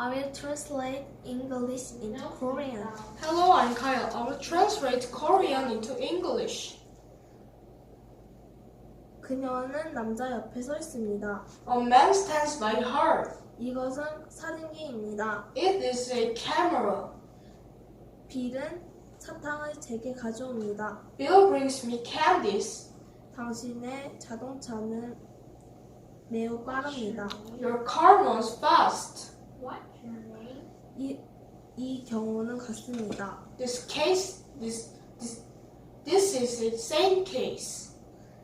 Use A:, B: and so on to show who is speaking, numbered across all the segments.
A: I will translate English into Korean.
B: Hello, I'm Kyle. I will translate Korean into English.
A: 그녀는 남자 옆에 서 있습니다.
B: A man stands by her.
A: 이것은 사진기입니다.
B: It is a camera.
A: 빌은 사탕을 제게 가져옵니다.
B: Bill brings me candies.
A: 당신의 자동차는 매우 빠릅니다.
B: Your car runs fast.
C: What's your name?
A: 이 경우는 같습니다.
B: This is a same case.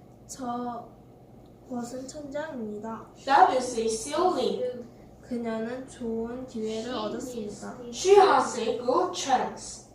A: 저것은 천장입니다.
B: That is a ceiling.
A: 그녀는 좋은 기회를 얻었습니다.
B: She has a good chance.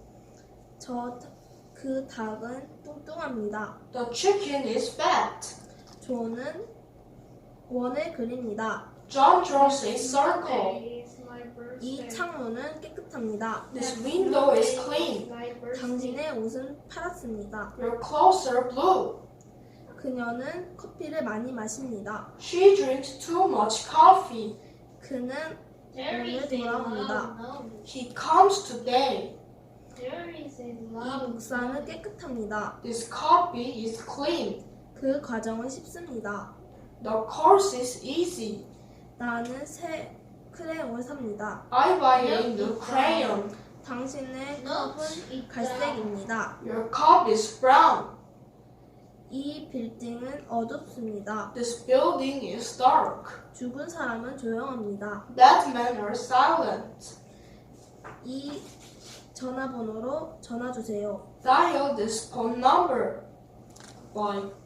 A: 그 닭은 뚱뚱합니다.
B: The chicken is fat.
A: 존은 원을 그립니다.
B: John draws a circle.
A: 이 창문은 깨끗합니다.
B: This window is clean.
A: 당신의 옷은 파랗습니다.
B: Your clothes are blue.
A: 그녀는 커피를 많이 마십니다.
B: She drinks too much coffee.
A: 그는
C: There
A: 오늘
C: is a
A: 돌아옵니다.
C: love note.
B: He comes today.
C: There is a
A: 이
C: love
A: 목사는 깨끗합니다.
B: This copy is clean.
A: 그 과정은 쉽습니다.
B: The course is easy.
A: 나는 새 크레용을 삽니다.
B: I buy a new crayon.
A: 당신의
C: note.
A: 컵은 갈색입니다.
B: Your cup is brown.
A: 이 빌딩은 어둡습니다.
B: This building is dark.
A: 죽은 사람은 조용합니다.
B: That men are silent.
A: 이 전화번호로 전화 주세요.
B: Dial this phone number. Bye.